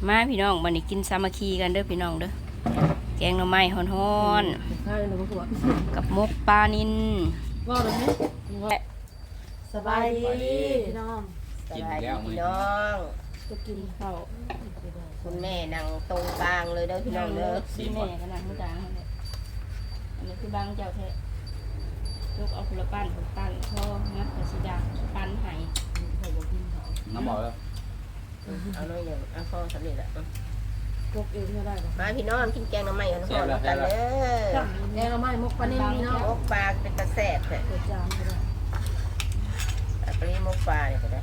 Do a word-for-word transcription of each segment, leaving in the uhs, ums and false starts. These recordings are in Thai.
มาพี่น้องวันนี้กินสามัคคีกันเด้อพี่น้องเด้อแกงหน่อไม้ฮ้อนๆกับมกปลานิลว่าเลยไหมสบายดีพี่น้องสบายดีพี่น้องจะกินข้าวคุณแม่นั่งตรงกลางเลยเด้อพี่น้องเด้อพี่แม่ก็นั่งข้างกลางนั่นแหละอันนี้คือบางเจ้าแท้ยกเอาผลปั้นผลปั้นพ่องัดกระสีดาปั้นไห้น้ำบอกแล้วเอาหน่อยอย่างเอาข้อสำเร็จละยกเองก็ได้มาพี่น้องกินแกงหน่อไม้กันก่อนกันเด้อแกงหน่อไม้มกปลานิ่มเนาะมกปลาเป็นตะแซ่บแท้เกิดจามก็ได้ปลามกปลาเนี่ยก็ได้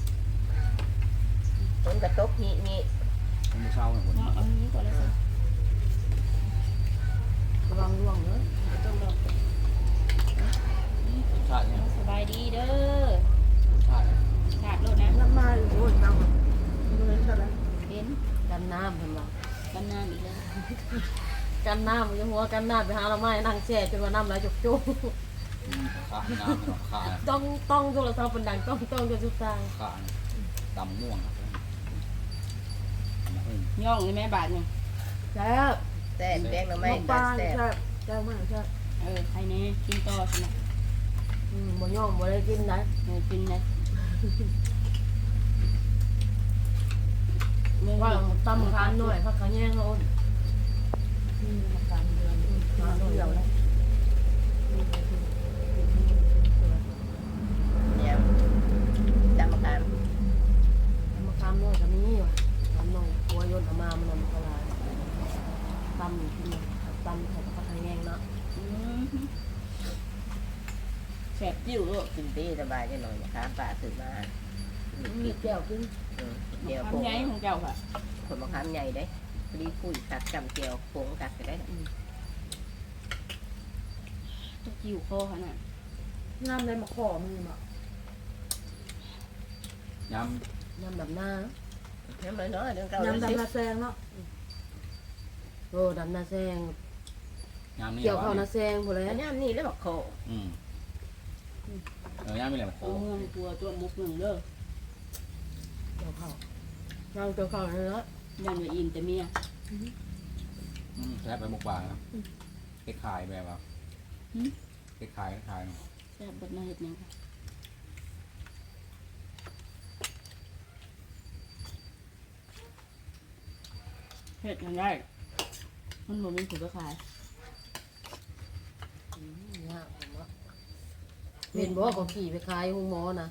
คนกระตกนี่นี่มือเช้าเนี่ยคนเอาอันนี้ก่อนเลยสิระวังร่วงเนอะต้องรอชาติเนี่ยสบายดีเด้อชาติขาดโลดนะน้ำมาอยู่โอ้ยน้ำมันเห็นเท่าไหร่เห็นกันน้ำเห็นบ่กันน้ำอีกแล้วกันน้ำยังหัวกันน้ำไปหาเราไม่นั่งแช่จนว่าน้ำไหลจุกจุกขาน้ำขาต้องต้องโทรศัพท์เป็นดังต้องต้องจะจุดตายขาดำม่วงครับย่องเลยแม่บาทหนึ่งแซ่บแซ่บแกงหน่อไม้ปลาแซ่บแซ่บแซ่บมากแซ่บเออใครเนี่ยกินต่อสินะอืมบ่ย่องบ่ได้กินนะเออกินเลยว่าตำคันหน่อยพักขะแยงโอนนี่มาการเดือนมาเดียวแล้วเนี่ยจำการมาการหน่อยก็มีว่ะตำหน่อยหัวยนต์มามันนำกระลาตำกินตำใส่พักขะแยงเนาะแสบจิ้วลูกกินตีสบายจะหน่อยนะครับป่าตื่นมามีแก้วกินเจียวโป่งใหญ่ของเจ้าค่ะผลมะขามใหญ่ได้พอดีคุยกัดจำเจียวโป่งกัดไปได้จะจิ้วคอขนาดน้ำในมะขอมือมะยำยำแบบหน้าน้ำน้อยๆเรื่องเก่ายำดำนาแซงเนาะโอ้ดำนาแซงเกี่ยวข้าวนาแซงพอแล้วย่ำนี่แล้วบอกโคอืมเออย่ำไม่เลยโคเมืองตัวตัวมุกหนึ่งเด้อเกี่ยวข้าวย่างเกี่ยวข้าวเลยเนาะยันว่าอินแต่เมียอืมแซ่บไปหมกปลาแล้วเก็บขายแบบว่าเก็บขายขายแซ่บแบบน่าเห็ดยังค่ะเห็ดยังได้มันบ่มีผลขายเนี่ยผมว่าเห็นบอกว่าเขาขี่ไปขายห้องหมอนะ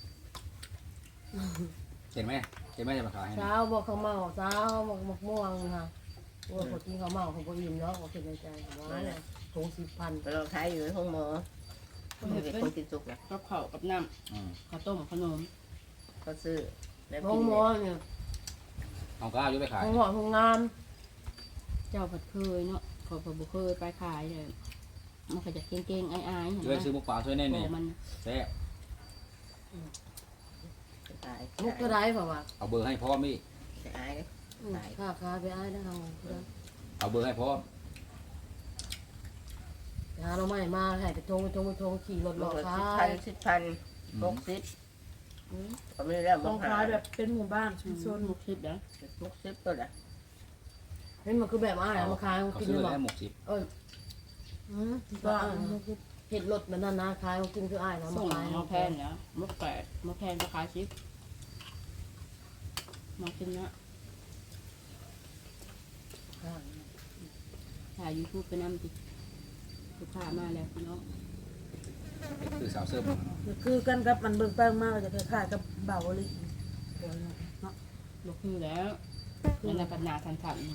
เห็นไหมเห็นไหมจะมาขายเช้าบอกเขาเมาเช้าบอกมะม่วงค่ะว่าคนที่เขาเมาเขาก็ยิ้มเนาะเขาคิดในใจว่าเนี่ยถุงสิบพันเราขายอยู่ในห้องหมอเขาเป็นคนกินสุกนะกับข้าวกับน้ำข้าวต้มขนมก็ซื้อห้องหมอเนี่ยเอาก้าวยุบไปขายห้องหมอห้องงานเจ้าผัดเคยเนาะขอผัดบุเคยไปขายเลยมันก็จะเก่งๆอายๆช่วยซื้อหมกปลาช่วยแน่เนี่ยแซ่บมุกก็ได้เปล่าวะเอาเบอร์ให้พ่อมี่อายค่าค่าไปอายได้ทางเอาเบอร์ให้พ่อหาเราไม่มาให้ไปทงไปทงไปทงขี่รถหลอกขายสิบพันหกสิบก็ไม่ได้ต้องขายแบบเป็นหมู่บ้านชุมชนหกสิบนะหกสิบตัวละเห็นมันคือแบบอ้ายมาขายกินได้หมกสิบเออก็เห็ดรถมันนั่นนะขายกินคืออ้ายนะมาขายมาแพนเนี่ยมกแปดมกแพนก็ขายสิบมากินนะถ่ายยูทูบไปนั่งติลูกค้ามาแล้วพี่น้องคือสาวเสื้อคือกันกับมันเบิ่งแป้งมากจะคล้ายๆกับเบาเลยเนาะลูกคือแล้วนั่นแหละปัญญาทันทัน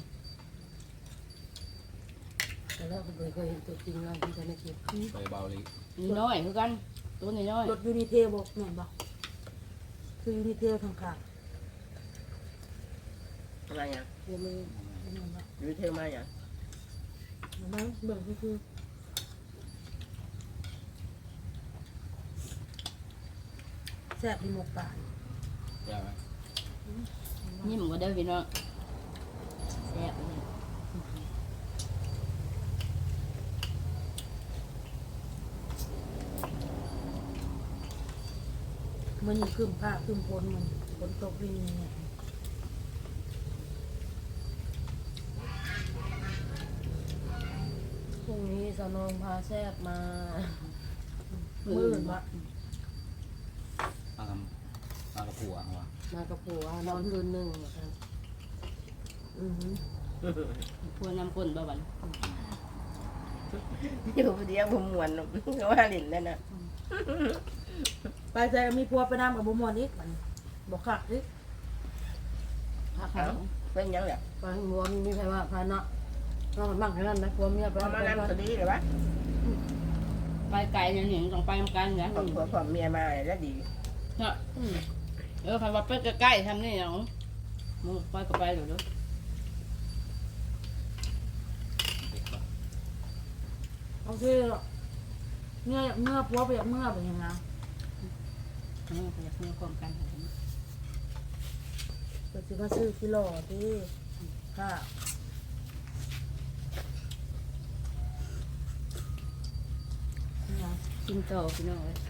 แต่แล้วผมเคยเห็นตัวจริงแล้วที่จะไม่เก็บไปเบาเลยนี่น้อยคือกันตัวนี้น้อยรถยูนิเทลบอกเหมือนบอกคือยูนิเทลทางขาดอะไรอย่างเดี๋ยวเลยยูเทลมาอย่างนั้นเบิ่งก็คือแซ่บที่หมกป่าแซ่บไหมนี่มันก็ได้พี่น้องแซ่บเลยมันอยู่คืมผ้าคืมพ้นมันฝนตกนี่เนี่ยสนองพาแซ่บมามืดวะมาทำมากับผัวเขาวะมากับผัวนอนคืนหนึ่งนะครับอือหือพัวนำก้นบ่บันอยู่คนเดียวผมมวนเขาว่าหลินนั่นน่ะไปใจมีผัวไปนำกับบุมวนอีกมันบอกขักอีกขักเขาเขาเป็นยังไงไปหัวมีใครว่าพาเนาะนอนมั่งแค่นั้นนะผัวเมียไปพอมานั่งสดีเลยวะไปไกลเนี่ยหนิงต้องไปทำกันนะผมผัวผมเมียมาแล้วดีเนาะเออใครว่าไปใกล้ๆทำนี่เนาะมึงไปก็ไปเดี๋ยวเด้อเด็กปะโอเคเมื่อเมื่อผัวไปเมื่อเป็นยังไงเอออยากมีความกันก็สิมาซื้อกิโลที่ค่ะกินโตพี่น้องเลย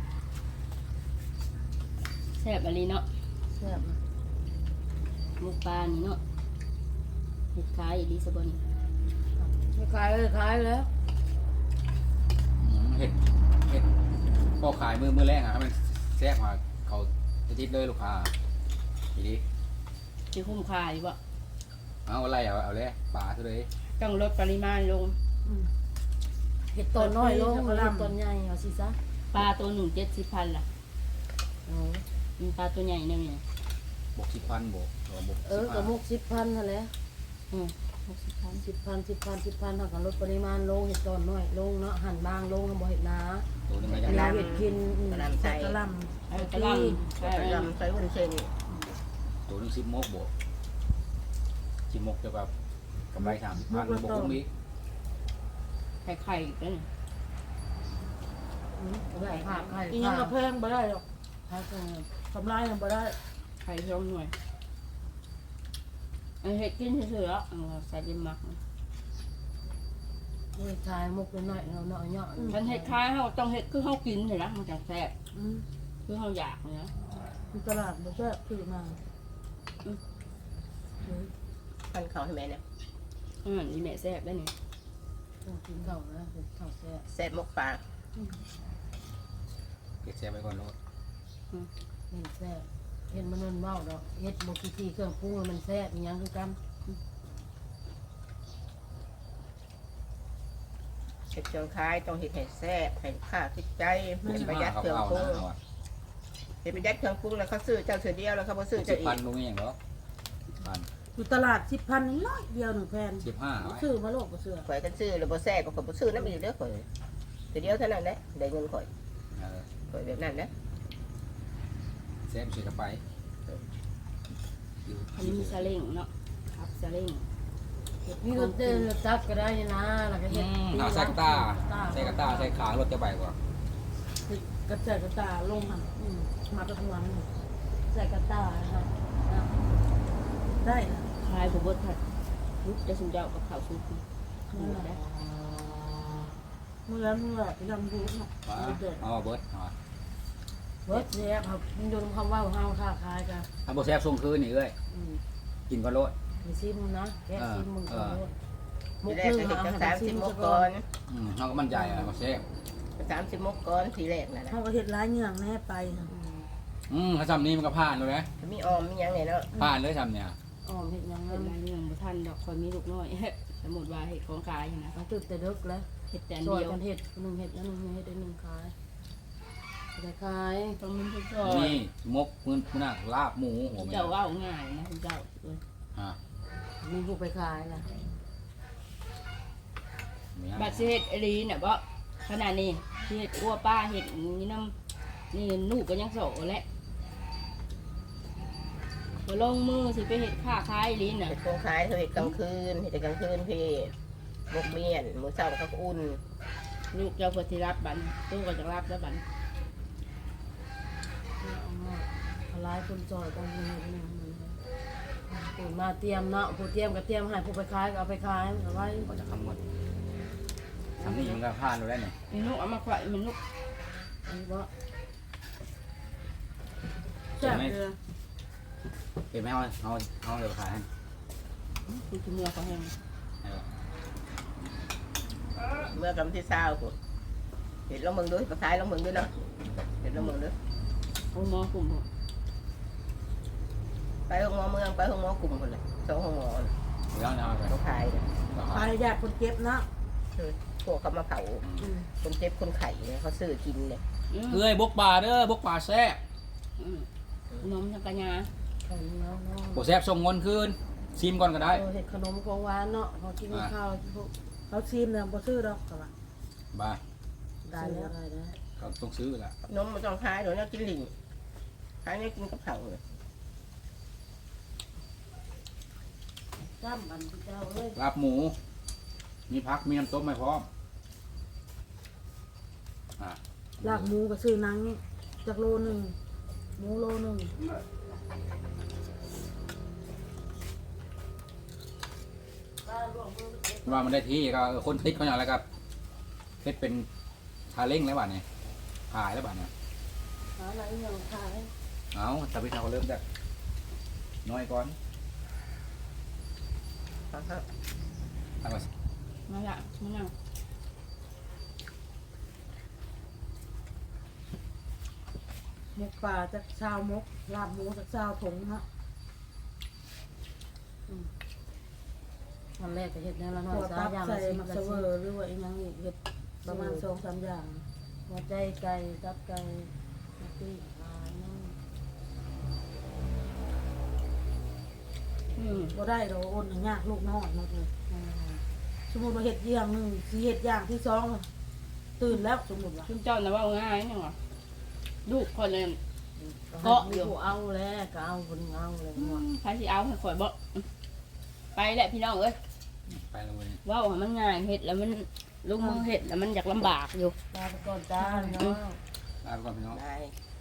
แซ่บอะไรเนาะแซ่บหมูปลานี่เนาะเห็ดขายอีลิสบอนไม่ขายเลยขายแล้วอืมเห็ดเห็ดพอขายมือมือแรกอะให้มันแซ่บมาเขาจะทิดเลยลูกค้าทีนี้ที่คุ้มค่าอยู่บ่เอาอะไรเอาเอาเลยปลาซะเลยต้องลดปริมาณลงเห็ดต้นน้อยลงเห็ดต้นใหญ่เอาสิซะปลาตัวหนึ่งเจ็ดสิบพันล่ะอ๋อมีปลาตัวใหญ่เนี่ยเนี่ยบกสิบพันบกหรือบกเออกับมุกสิบพันนั่นแหละอืมหกสิบพันสิบพันสิบพันสิบพันเท่ากับลดปริมาณลงเห็ดต้นน้อยลงเนาะหั่นบางลงทำบ่เห็ดหนาตัวนึงก็เวยังลาได้เห็ดกินใส่กระลไอ้ำกระลำใช่ใส่ยำใส่วุ้นเส้นตัวนึงสิบมกบกสิบมกจะแบบกำไรสามสิบพันบกคุ้มอีกไข่ไข่กันไข่ผักไข่อียังกระเพงบ่ได้หรอกไข่ทำลายยังบ่ได้ไข่ช่องหน่วยไอ้เห็ดกินเฉยๆอ่ะใส่ดินหมักเลยชายมุกน้อยเราเนาะเนาะมันเห็ดคล้ายเขาต้องเห็ดคือเขากินเลยนะมันจะแซ่บอืมคือเขาอยากเลยนะที่ตลาดบ่แซ่บซื้อมาพันเขาให้แม่เนี่ยอืมนี่แม่แซ่บได้นี่ต้องกินข้าวนะข้าวแซ่บแซ่บมกปลาเก็บแซ่บไว้ก่อนรถเห็นแซ่บเห็นมันมันเว้าดอกเฮ็ดบ่กี่ทีเครื่องปรุงมันแซ่บอีหยังคือกันเห็ดเชียงคายต้องเห็ดให้แซ่บให้ค่าติดใจหกสิบประหห้ายัดเขาเครื่องเอาปรุงนะเอาอะเห็ดประหยัดเครื่องปรุงแล้วเขาซื้อเจ้าเสือเดียวแล้วเขาบ่ซื้อสิเจ้าบอีพักนลงนี่อย่างเหรอพันอยู่ตลาดสิบพันนี่ร้อยเดียวหนึ่งแผ่นสิบห้าไว้ซื้อมาโลกบ่เชื่อข่อยกันซื้อแล้วบ่แซ่บก็ข่อยบ่ซื้อน้ำอีกเด้อข่อยเสือเดียวเท่านั้นแหละได้เงินข่อยเออข่อยแบบนั้นนะแซ่บเสียกระไปอันนี้มีซาเล้งเนาะครับซาเล้งมีรถเดินรถจักรก็ได้นะแล้วก็อืเฮ็ดมเอาใส่กระตาใส่กระตาใส่ขารถจะไปกว่ากระจายกระตาลงมันอืมมาตะวันใส่กระตานะครับนะได้นะคลายผมบดผัดลุกจะสุนเจ้ากับข้าวซุปนั่นแหละเมื่อเมื่อไปทำดูเนาะว้าเด็ดเอาเบิร์ดเอาเบิร์ดแซ่บครับมันโดนคำว่าห้าวค้าขายกันเอาบ่แซ่บส่งคืนนี่เอ้ยอืมกินก็รถไปซิมนะแกะซิมมึงก่อนทีแรกก็เห็ดจังสามสิบมกก่อนอืมเขาก็มั่นใจอะบ่แซ่บสามสิบมกก่อนทีแรกนั่นแหละเขาก็เห็ดร้ายเงื่องแน่ไปอืมถ้าซ้ำนี้มันก็ผ่านเลยนะมีออมมีหยังไงเนาะผ่านเลยซ้ำเนี่ยอ๋อเห็ดยังเห็งั้นนมาเรื่องบุท่านดอกคอยมีลูกน้อย สมมติว่าเห็ดของกายนะเขาตึกแต่เด็กแล้วเห็ดแต่ซอยเดียวกันเห็ดหนึ่งเห็ดแล้วหนึ่งเห็ดได้หนึ่งขายแต่ขายต้องมีทุกซอยนี่มกมือมือหน้าลาบหมูหัวมันเจ้าว่าง่ายนะคุณเจ้าฮะมีผู้ไปขายนะมีอะไรบัตรเห็ดอรีเนี่ยบ่ขนาดนี้เห็ดอ้วป้าเห็ดนี่น้ำนี่ลูกก็ยังโสแหละมาลงมือสิไปเห็ดค่าคายลิ้นน่ะเห็ดโครงขายเธอเห็ดกลางคืนเห็ดกลางคืนพี่มกเมียนหมูเศร้าเขาก็อุ่นลูกเจ้าพอที่รับบันตู้ก็จะรับแล้วบันเอามาเอาร้ายคนจอยต้องมีเห็ดหนึ่งผู้มาเตรียมเนาะผู้เตรียมก็เตรียมให้ผู้ไปขายก็เอาไปขายเอาไว้ก็จะคำหมดทำนี่มันก็ผ่านเลยเนี่ยไอ้ลูกเอามาควายมันลูกอันนี้ว่าแซ่บเลยเก็บไม่เอาเอาเอาเดี๋ยวขายให้คือเมื่อเขาแห้งเออเมื่อกำที่เศร้ากูเห็นลงมึงด้วยภาษาลงมึงด้วยเนาะเห็นลงมึงด้วยโอ้หมอกลุ่มไปห้องหมอเมืองไปห้องหมอกลุ่มคนเลยสองห้องหมอแล้วนะไปเขาขายเนี่ยไปญาติคนเจ็บเนาะพวกเขามาเผาคนเจ็บคนไข่เนี่ยเขาซื้อกินเนี่ยเอ้ยบกป่าเด้อบกป่าแซ่บนมจักรยานขนมเนาะเนาะโบแซ่บส่งเงินคืนซิมก่อนก็ได้เห็ดขนมของหวานเนาะเขากินข้าวเขาซีมเนี่ยบ่ซื้อดอกก็ว่าบ้าได้แล้วได้แล้วก็ต้องซื้อแหละนมมันต้องขายเดี๋ยวนี้กินหลิงขายเนี่ยกินกับเผาเลยจ้ำอันที่เจ้าเอ้ยลาบหมู มีพักมีน้ำต้มไม่พร้อมอ่าลาบหมูก็ซื้อนังจากโลหนึ่งหมูโลหนึ่งว่ามันได้ที่ก็คนติดเขาอย่างไรครับเพชรเป็นทาเล้งแล้วบ้านเนี่ยขายแล้วบ้านเนี่ยหาอะไรอย่างขายเอาแต่พี่ทาเขาเริ่มจากน้อยก่อนครับตั้งแต่มาละมานั่งหมกป่าจากชาวมกลาบหมูจากชาวถงฮะวันแรกก็เห็ดแนวละน้อยสามอย่างใส่มักเสวอหรือว่าอีกอย่างอีกเห็ดประมาณสองสามอย่างหัวใจไก่ตับไก่นักตีปลาเนาะอืมบ่ได้เราโอนให้ยากลูกน้อยหมดเลยสมมติว่าเห็ดอย่างหนึ่งสีเห็ดอย่างที่สองตื่นแล้วสมมติว่าคุณเจ้าน่ะว่าง่ายนี่หว่าลูกคนเลยเกาะอยู่เอาแล้วก็เอาคนเอาเลยหมดใครสิเอาให้ข่อยบ่ไปแหละพี่น้องเอ้ยไปแล้วเว้ยว่าว่ามันง่ายเห็ดแล้วมันลูกมือเห็ดแล้วมันอยากลำบากอยู่ลาไปก่อนจ้าเนาะลาไปก่อนพี่น้องได้